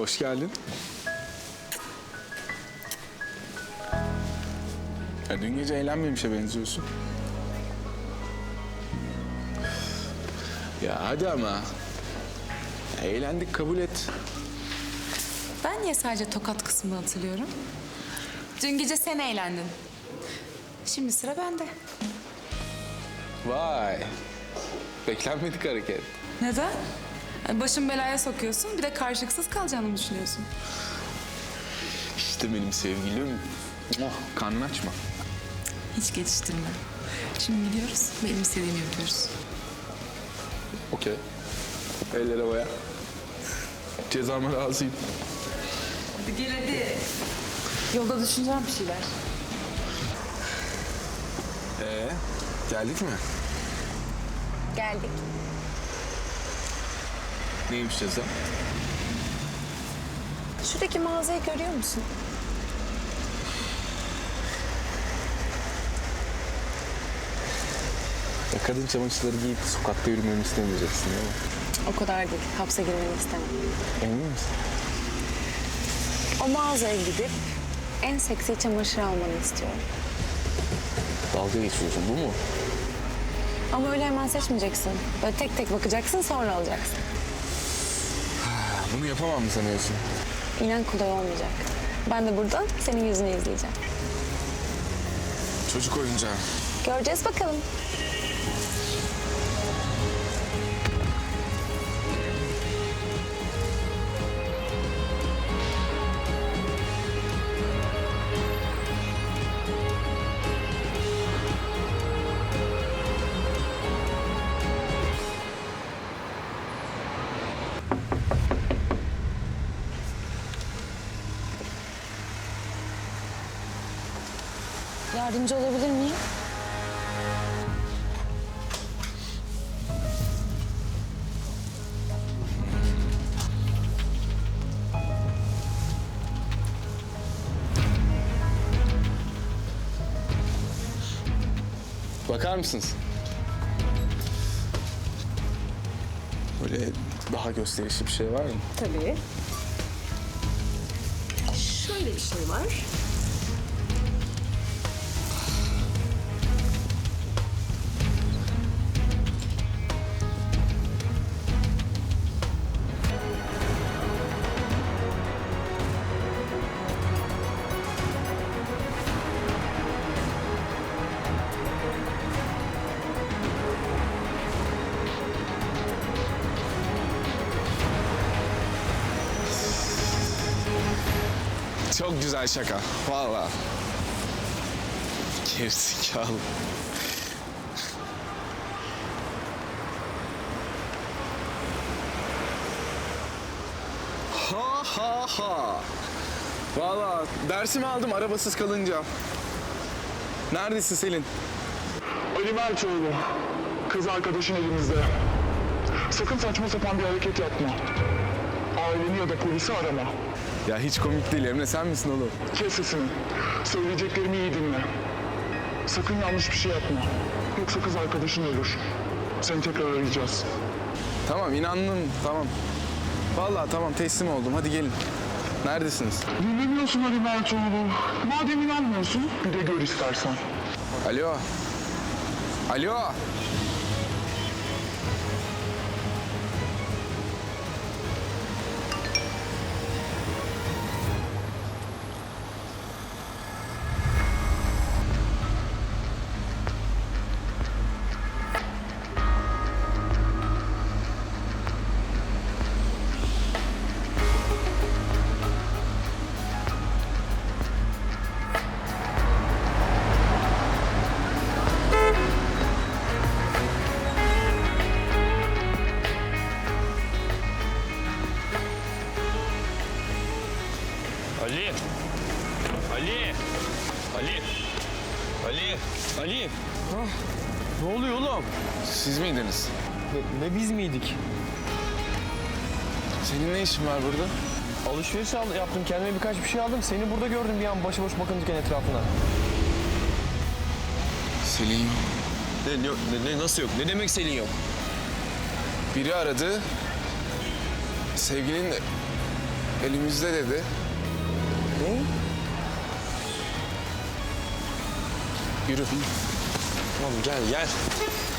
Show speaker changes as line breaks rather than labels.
Hoş geldin. Ya dün gece eğlenmemişe benziyorsun. Ya hadi ama. Ya eğlendik, kabul et.
Ben niye sadece tokat kısmını hatırlıyorum? Dün gece sen eğlendin. Şimdi sıra bende.
Vay. Beklenmedik hareket.
Neden? Başımı belaya sokuyorsun, bir de karşılıksız kalacağını mı düşünüyorsun?
İşte benim sevgilim. Oh, karnını açma.
Hiç geçiştirme. Şimdi gidiyoruz, benim istediğimi yapıyoruz.
Okey. Eller havaya. Cezama razıyım.
Hadi gel hadi. Yolda düşüneceğim bir şeyler.
Geldik mi?
Geldik.
Neymiş ceza?
Şuradaki mağazayı görüyor musun?
Ya kadın çamaşırları giyip sokakta yürümemi istemeyeceksin değil mi?
O kadar değil, hapse girmeni istemem.
Emin misin?
O mağazaya gidip en seksi çamaşır almanı istiyorum.
Dalga geçiyorsun, bu mu?
Ama öyle hemen seçmeyeceksin. Böyle tek tek bakacaksın, sonra alacaksın.
Bunu yapamam mı sanıyorsun?
İnan kolay olmayacak. Ben de buradan senin yüzünü izleyeceğim.
Çocuk oyuncağı.
Göreceğiz bakalım. Yardımcı olabilir miyim?
Bakar mısınız? Böyle daha gösterişli bir şey var mı?
Tabii. Şöyle bir şey var.
Çok güzel şaka. Vallahi. Gerizekalı. Ha ha ha. Vallahi dersimi aldım arabasız kalınca. Neredesin Selin?
Ali Mertoğlu, kız arkadaşın elimizde. Sakın saçma sapan bir hareket yapma. Aileni ya da polisi arama.
Ya hiç komik değil Emre, sen misin oğlum?
Kes sesini. Söyleyeceklerimi iyi dinle. Sakın yanlış bir şey yapma. Yoksa kız arkadaşın ölür. Seni tekrar arayacağız.
Tamam, inandım, tamam. Vallahi tamam, teslim oldum, hadi gelin. Neredesiniz?
Dinlemiyorsun Ali Mertoğlu. Madem inanmıyorsun, bir de gör istersen.
Alo. Alo.
Ali! Ali! Ali! Ali! Ali! Ne oluyor oğlum?
Siz miydiniz?
Ne biz miydik?
Senin ne işin var burada?
Alışveriş yaptım, kendime birkaç bir şey aldım. Seni burada gördüm bir an başıboş bakınırken etrafına.
Selin yok.
Nasıl yok? Ne demek Selin yok?
Biri aradı. Sevgilin de... Elimizde dedi.
Ne?
Yürü.
Tamam gel gel.